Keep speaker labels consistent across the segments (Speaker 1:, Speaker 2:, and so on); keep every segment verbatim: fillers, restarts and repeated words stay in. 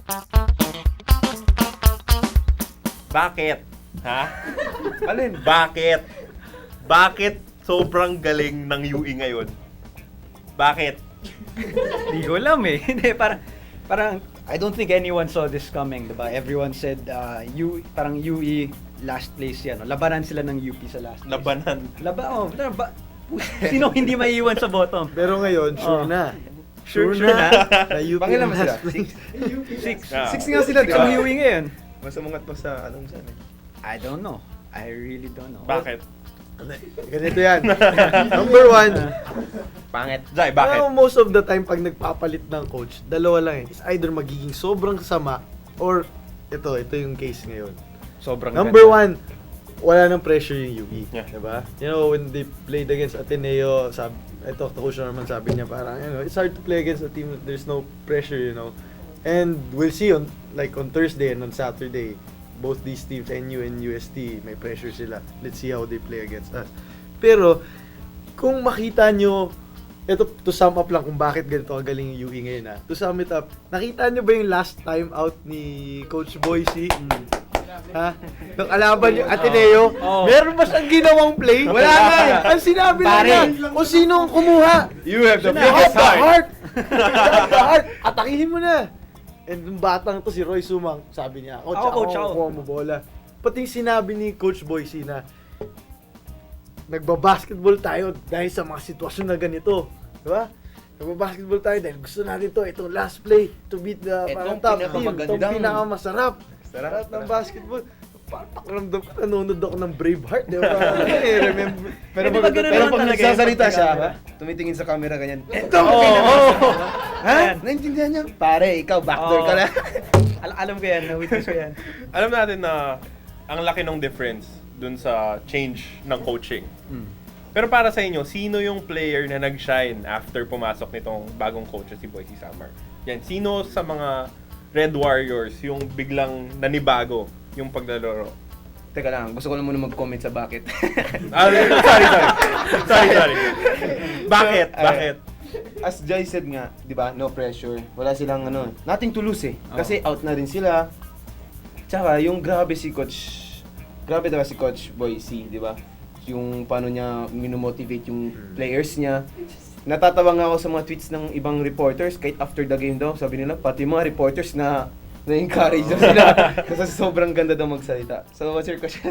Speaker 1: Bakit? Ha?
Speaker 2: Alin?
Speaker 1: Bakit? Bakit sobrang galing ng U E ngayon? Bakit?
Speaker 3: Hindi ko alam eh. Hindi, parang, parang, I don't think anyone saw this coming, diba? Everyone said, uh, U, parang U E last place yan. No? Labanan sila ng U P sa last place.
Speaker 1: Labanan.
Speaker 3: Laba, oh, laba, sino hindi maiiwan sa bottom?
Speaker 4: Pero ngayon, sure
Speaker 3: Oh.
Speaker 4: na.
Speaker 3: Sure, sure na.
Speaker 4: Na U P
Speaker 2: Pangilan
Speaker 4: ang
Speaker 2: mo sila?
Speaker 4: last place.
Speaker 3: Six.
Speaker 1: Ah.
Speaker 2: Six nga sila, di
Speaker 3: Ang
Speaker 2: ba?
Speaker 3: U E ngayon.
Speaker 2: Mas umungat pa sa anong saan eh.
Speaker 3: I don't know. I really don't know.
Speaker 1: Bakit?
Speaker 4: Ganito yan. Number one,
Speaker 2: Pangit.
Speaker 1: Jai, bakit?
Speaker 4: Well, most of the time, pag nagpapalit ng coach, dalawa lang eh. It's either magiging sobrang sama or ito, ito yung case ngayon.
Speaker 3: Sobrang
Speaker 4: Number
Speaker 3: ganda.
Speaker 4: one, wala nang pressure yung U E.
Speaker 1: Yeah.
Speaker 4: Diba? You know, when they played against Ateneo, sab I talked to Coach Norman, sabi niya parang, you know, it's hard to play against a team that there's no pressure, you know. And we'll see on, like on Thursday and on Saturday, both these teams, N U and U S T, may pressure sila. Let's see how they play against us. Pero, kung makita nyo, ito, to sum up lang kung bakit ganito kagaling yung U E ngayon ha. To sum it up, nakita nyo ba yung last time out ni Coach Boise? Mm. Ha? Nung alaban yung Ateneo,
Speaker 3: Oh.
Speaker 4: meron ba siyang ginawang play? Wala nga eh. Ang sinabi lang
Speaker 3: Pare.
Speaker 4: niya, kung sinong kumuha.
Speaker 2: You have the
Speaker 4: Have
Speaker 2: biggest
Speaker 4: the
Speaker 2: heart.
Speaker 4: heart. Have the heart. Atakihin mo na. And yung batang to, si Roy Sumang, sabi niya, Coach,
Speaker 3: Ako,
Speaker 4: ako,
Speaker 3: coach, ako."
Speaker 4: kukuha mo bola. Pati yung sinabi ni Coach Boise na, nagbabasketball tayo dahil sa mga sitwasyon na ganito. Diba? Nagbabasketball tayo dahil gusto natin to, itong last play to beat the parang
Speaker 2: Itong
Speaker 4: top team. Itong
Speaker 2: pinakamagandang-
Speaker 4: pinakamasarap.
Speaker 2: Sarap,
Speaker 4: Sarap ng
Speaker 2: sarap.
Speaker 4: basketball. Parang pakiramdam ko, nanonood ako ng Braveheart. Di ba? Eh, remember.
Speaker 2: Pero
Speaker 3: Eh, di
Speaker 2: pag,
Speaker 3: ba ganun
Speaker 2: pero
Speaker 3: naman
Speaker 2: pag
Speaker 3: talaga
Speaker 2: nagsasalita
Speaker 3: yung
Speaker 2: siya,
Speaker 3: pagkakamera?
Speaker 2: tumitingin sa camera ganyan.
Speaker 4: Ito!
Speaker 3: Oo,
Speaker 4: Oh,
Speaker 3: oo.
Speaker 2: Ha?
Speaker 3: Ayan.
Speaker 2: Naintindihan niya? Pare, ikaw, backdoor ka
Speaker 3: Oo.
Speaker 2: lang.
Speaker 3: Al- alam ko yan, na-witness ko yan.
Speaker 1: Alam natin na ang laki ng difference dun sa change ng coaching.
Speaker 3: Hmm.
Speaker 1: Pero para sa inyo, sino yung player na nag-shine after pumasok nitong bagong coach na si Boise Samar? Yan, sino sa mga Red Warriors yung biglang nanibago yung paglalaro?
Speaker 2: Teka lang, gusto ko lang muna mag-comment sa bakit.
Speaker 1: Ah, sorry, sorry. Sorry, sorry. Bakit?
Speaker 2: So, uh,
Speaker 1: Bakit?
Speaker 2: As Jai said nga, di ba, no pressure. Wala silang ano, nothing to lose eh.
Speaker 3: Oh.
Speaker 2: Kasi out na rin sila. Tsaka yung grabe si Coach, grabe diba si Coach Boise, di ba? Yung paano niya minomotivate yung players niya. Natatawa nga ako sa mga tweets ng ibang reporters, kahit after the game daw, sabi nila, pati mga reporters na na-encourage daw sila. Kasi sobrang ganda daw magsalita. So, what's your question?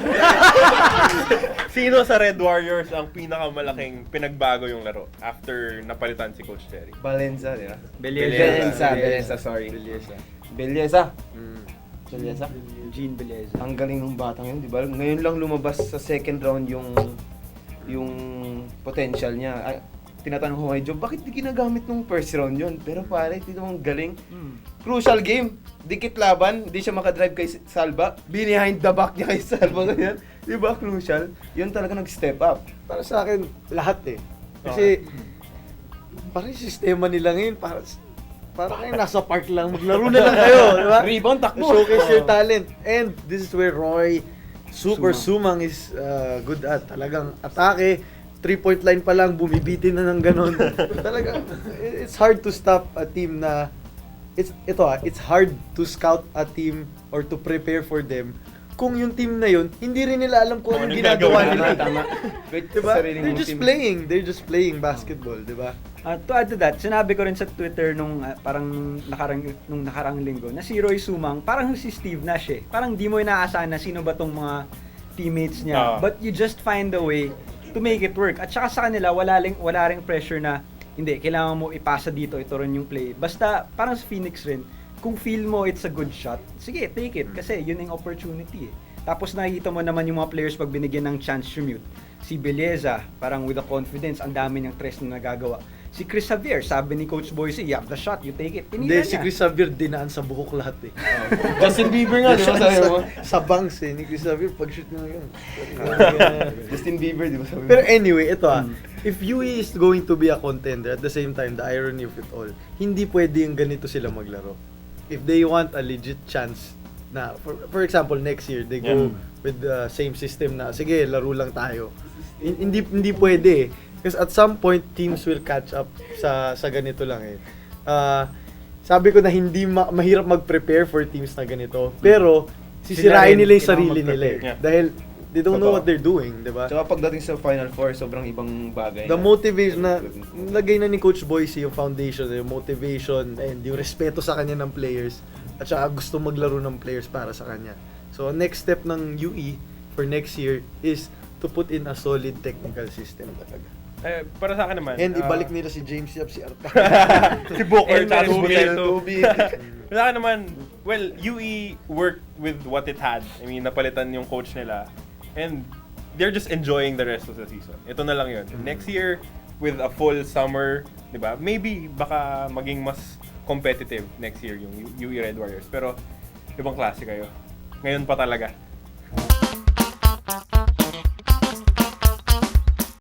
Speaker 1: Sino sa Red Warriors ang pinakamalaking pinagbago yung laro after napalitan si Coach Terry?
Speaker 2: Valenza, di ba?
Speaker 3: Belleza.
Speaker 2: Belleza, Belleza, sorry.
Speaker 4: Belleza.
Speaker 2: Belleza.
Speaker 4: Mm.
Speaker 2: Belleza.
Speaker 3: Gene Belleza.
Speaker 2: Ang galing ng batang yun, di ba? Ngayon lang lumabas sa second round yung yung potential niya. Ay, tinatanong ko kay Joe, bakit di ginagamit nung first round yun? Pero pare, dito ang galing.
Speaker 3: Hmm.
Speaker 2: Crucial game. Dikit laban, di siya makadrive kay Salva. Behind the back niya kay Salva. Ganyan. Di ba? Crucial. Yun talaga nag-step up.
Speaker 4: Para sa akin, lahat eh. Kasi, parang yung sistema nila ngayon, para para kayo nasa park lang, maglaro na lang kayo, di ba?
Speaker 2: Rebound, takbo.
Speaker 4: Showcase your
Speaker 2: Oo.
Speaker 4: talent. And this is where Roy Super Sumang, is uh, good at. Talagang atake, three-point line pa lang, bumibitin na ng ganon. Talagang, it's hard to stop a team na, it's, ito ah, it's hard to scout a team or to prepare for them kung yung team na yun, hindi rin nila alam kung
Speaker 1: Kung
Speaker 4: anong
Speaker 1: anong
Speaker 4: ginagawa
Speaker 1: gagawin
Speaker 4: nila.
Speaker 2: Tama, tama. Great
Speaker 4: Diba?
Speaker 2: sariling
Speaker 4: They're
Speaker 2: mong
Speaker 4: just
Speaker 2: team.
Speaker 4: playing. They're just playing basketball, diba?
Speaker 3: Uh, to add to that, sinabi ko rin sa Twitter nung uh, parang nakarang nung nakarang linggo na si Roy Sumang parang si Steve Nash eh. Parang di mo inaasahan na sino ba tong mga teammates
Speaker 1: Ah.
Speaker 3: niya. But you just find a way to make it work. At saka sa kanila wala ring wala ring pressure na hindi kailangan mo ipasa dito, ito rin yung play. Basta parang sa Phoenix rin, kung feel mo it's a good shot, sige, take it kasi yun yung opportunity eh. Tapos nakikita mo naman yung mga players pag binigyan ng chance shoot. Si Belleza, parang with the confidence, ang dami niyang tres na nagagawa. Si Chris Javier, sabi ni Coach Boise, you have the shot, you take it.
Speaker 4: Hindi,
Speaker 3: Tinira
Speaker 4: si
Speaker 3: niya.
Speaker 4: Chris Xavier dinaan sa buhok lahat eh.
Speaker 2: Justin Bieber nga, di ba sabi mo?
Speaker 4: sa, sa bangs eh, ni Chris Xavier, pag-shoot na yun.
Speaker 2: Justin Bieber, di ba sabi mo?
Speaker 4: Pero anyway, ito ah,
Speaker 3: Mm.
Speaker 4: if U E is going to be a contender, at the same time, the irony of it all, hindi pwede yung ganito sila maglaro. If they want a legit chance na, for, for example, next year, they go
Speaker 1: Yeah.
Speaker 4: with the same system na, sige, laro lang tayo. Hin- Hindi hindi pwede eh. Because at some point, teams will catch up sa sa ganito lang eh. Ah, sabi ko na hindi ma- mahirap mag-prepare for teams na ganito. Pero,
Speaker 3: Sila
Speaker 4: sisirain
Speaker 3: rin,
Speaker 4: nila yung
Speaker 3: kailangan
Speaker 4: sarili nila eh.
Speaker 1: mag-prepare. Yeah.
Speaker 4: Dahil, they don't know
Speaker 2: Totoo.
Speaker 4: what they're doing, di ba?
Speaker 2: Tsaka pagdating sa Final Four, sobrang ibang bagay.
Speaker 4: The
Speaker 2: na.
Speaker 4: motivation na, lagay na ni Coach Boyce yung foundation, yung motivation, and yung respeto sa kanya ng players, at saka gusto maglaro ng players para sa kanya. So, next step ng U E for next year is to put in a solid technical system talaga.
Speaker 1: Eh, para sa akin naman.
Speaker 4: And
Speaker 1: ah,
Speaker 4: ibalik nila si James Yap, si Arta.
Speaker 1: si Booker,
Speaker 2: And
Speaker 1: tsaka si
Speaker 2: Tubig,
Speaker 1: Butelto.
Speaker 2: Tubig.
Speaker 1: Sa akin naman, well, U E worked with what it had. I mean, napalitan yung coach nila. And they're just enjoying the rest of the season. Ito na lang yun. Next year, with a full summer, di ba? Maybe, baka maging mas competitive next year yung U E Red Warriors. Pero, ibang klase kayo. Ngayon pa talaga.